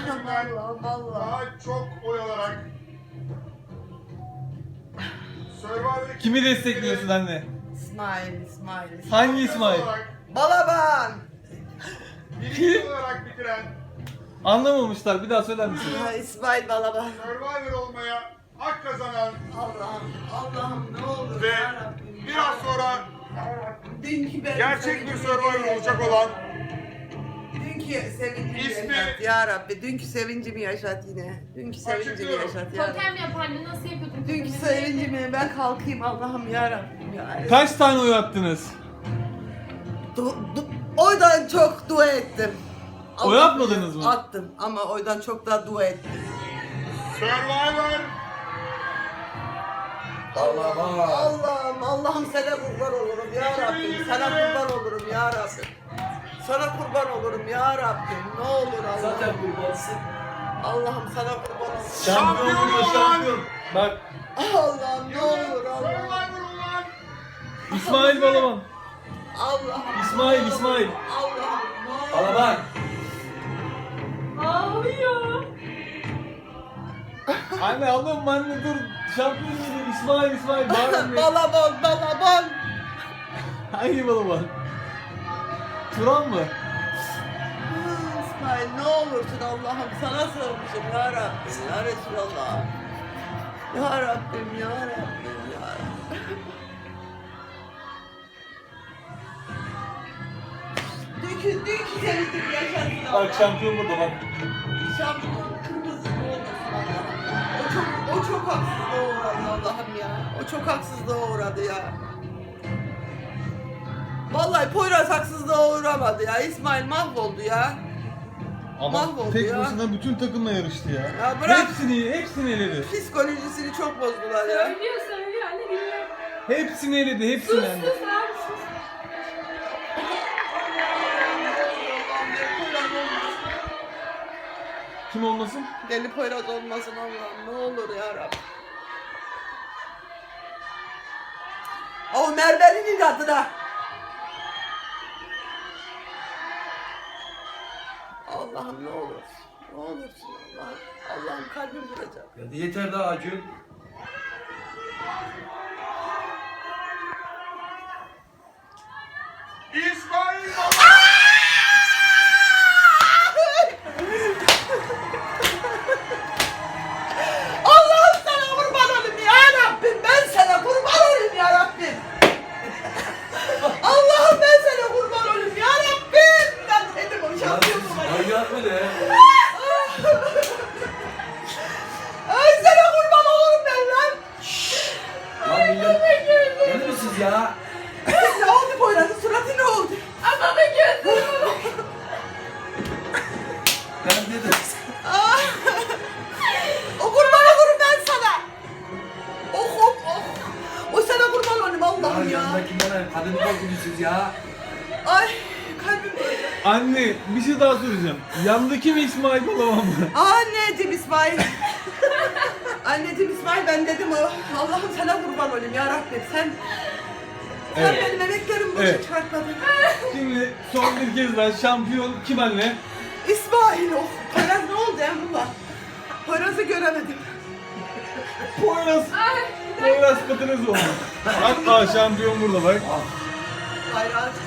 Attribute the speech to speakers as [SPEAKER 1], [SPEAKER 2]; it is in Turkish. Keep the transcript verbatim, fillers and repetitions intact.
[SPEAKER 1] yüzünden
[SPEAKER 2] Allah'ım Allah.
[SPEAKER 1] daha çok oy alarak Survivor'ı
[SPEAKER 3] Kimi destekliyorsun anne?
[SPEAKER 2] İsmail, İsmail.
[SPEAKER 3] Hangi İsmail?
[SPEAKER 2] Balaban.
[SPEAKER 1] birinci olarak bitiren
[SPEAKER 3] Anlamamışlar. Bir daha söyler misin?
[SPEAKER 2] Ha, İsmail Balaban.
[SPEAKER 1] Survivor olmaya hak kazanan
[SPEAKER 2] Allah'ım, Allah'ım ne olur
[SPEAKER 1] ve
[SPEAKER 2] yarabbim.
[SPEAKER 1] biraz sonra
[SPEAKER 2] Dünkü benim
[SPEAKER 1] gerçek bir
[SPEAKER 2] sevincimi
[SPEAKER 1] Survivor
[SPEAKER 2] yaşat.
[SPEAKER 1] olacak olan
[SPEAKER 2] Dünkü sevincimi
[SPEAKER 1] İsmi-
[SPEAKER 2] yaşat ya Rabbi. Dünkü sevincimi yaşat yine. Dünkü sevincimi
[SPEAKER 1] Açıklıyorum.
[SPEAKER 2] yaşat ya Rabbi.
[SPEAKER 4] Totem yapardı, nasıl yapıyordun?
[SPEAKER 2] Dünkü
[SPEAKER 4] totemini?
[SPEAKER 2] sevincimi ben kalkayım Allah'ım ya Rabbim ya.
[SPEAKER 3] Kaç tane oy attınız?
[SPEAKER 2] Du, du, oydan çok dua ettim.
[SPEAKER 3] Oy
[SPEAKER 2] Allah
[SPEAKER 3] atmadınız
[SPEAKER 2] bilir,
[SPEAKER 3] mı?
[SPEAKER 2] Attım ama oydan çok daha dua ettim.
[SPEAKER 1] Survivor
[SPEAKER 2] Allah'ım, Allah'ım, Allah'ım sana kurban olurum ya Rabbim. Sana kurban olurum ya Rabbim. Sana kurban olurum ya Rabbim. Ne olur Allah'ım.
[SPEAKER 5] Zaten kurbansın.
[SPEAKER 2] Allah'ım sana kurban olurum.
[SPEAKER 1] Şampiyon
[SPEAKER 3] burada,
[SPEAKER 1] olan-
[SPEAKER 3] Bak
[SPEAKER 2] Allah'ım ne olur Allah'ım.
[SPEAKER 1] Survivor olan
[SPEAKER 3] İsmail Balaban.
[SPEAKER 2] Allah'ım.
[SPEAKER 3] İsmail, İsmail.
[SPEAKER 2] Allah'ım ne olur.
[SPEAKER 5] Balaban.
[SPEAKER 4] Ağlıyor.
[SPEAKER 3] Anne alın anne dur. Şampiyon geliyor. İsmail, İsmail. Bağırın.
[SPEAKER 2] Balabon, balabon.
[SPEAKER 3] Hangi Balaban? Turan mı?
[SPEAKER 2] İsmail ne olursun Allah'ım sana sığınmışım ya Rabbim ya Resulallah. Ya Rabbim ya Rabbim ya Rabbim. Dünkü, dünkü sevindim yaşasın
[SPEAKER 3] Bak şampiyon burada bak.
[SPEAKER 2] Şampiyon kırmızı ne olursun Allah'ım ya. O çok, o çok haksızlığa uğradı Allah'ım ya. O çok haksızlığa uğradı ya. Vallahi Poyraz haksızlığa uğramadı ya. İsmail mahvoldu ya.
[SPEAKER 3] Ama
[SPEAKER 2] Mahvoldu
[SPEAKER 3] tek
[SPEAKER 2] ya.
[SPEAKER 3] başına bütün takımla yarıştı ya.
[SPEAKER 2] Ya bırak.
[SPEAKER 3] Hepsini, hepsini eledi.
[SPEAKER 2] Psikolojisini çok bozdular ya.
[SPEAKER 4] Söylüyor, söylüyor. Anne dinle.
[SPEAKER 3] Hepsini eledi, hepsini
[SPEAKER 4] Sus,
[SPEAKER 3] eledi.
[SPEAKER 4] sus abi, sus.
[SPEAKER 3] Kim olmasın?
[SPEAKER 2] Deli Poyraz olmasın Allah'ım ne olur ya Rabbim. O Merve'nin adına. Allah'ım ne olur. Ne olursun Allah'ım. Allah'ım kalbim duracak.
[SPEAKER 5] Ya yeter daha Acun.
[SPEAKER 1] İsmail Baba.
[SPEAKER 2] Allah'ım sana kurban olayım ya Rabbim. Ben sana kurban olayım ya Rabbim. Allah'ım ben sana kurban olayım ya Rabbim. Ben dedim o şampiyon olmayı.
[SPEAKER 5] Manyak mı ne?
[SPEAKER 2] Ay sana kurban olurum ben lan.
[SPEAKER 5] Lan millet. Deli misiniz ya?
[SPEAKER 2] Ne oldu Poyraz'ın suratı ne oldu?
[SPEAKER 4] Adamın gözü.
[SPEAKER 5] Ben dedim.
[SPEAKER 2] Ah! O kurban olurum ben sana. Oh oh oh. O sana kurban olayım
[SPEAKER 5] Ya
[SPEAKER 2] Allah'ım ya.
[SPEAKER 5] yanındakinden kadını korkutuyorsunuz ya.
[SPEAKER 2] Ay kalbim duracak.
[SPEAKER 3] Anne bir şey daha soracağım. Yandaki mi İsmail Balaban mı?
[SPEAKER 2] Anneciğim İsmail. Anneciğim İsmail ben dedim o. Allah'ım sana kurban olayım ya Rabbim. Sen sen
[SPEAKER 3] Evet.
[SPEAKER 2] benim emeklerimi boşa
[SPEAKER 3] Evet.
[SPEAKER 2] çıkartmadın.
[SPEAKER 3] Şimdi son bir kez daha şampiyon kim anne?
[SPEAKER 2] İsmail oh. Poyraz ne oldu Emrullah? Poyraz'ı göremedim.
[SPEAKER 3] Poyraz. Poyraz Pıtırız oldu. Hatta şampiyon burada bak.
[SPEAKER 2] Bayrağı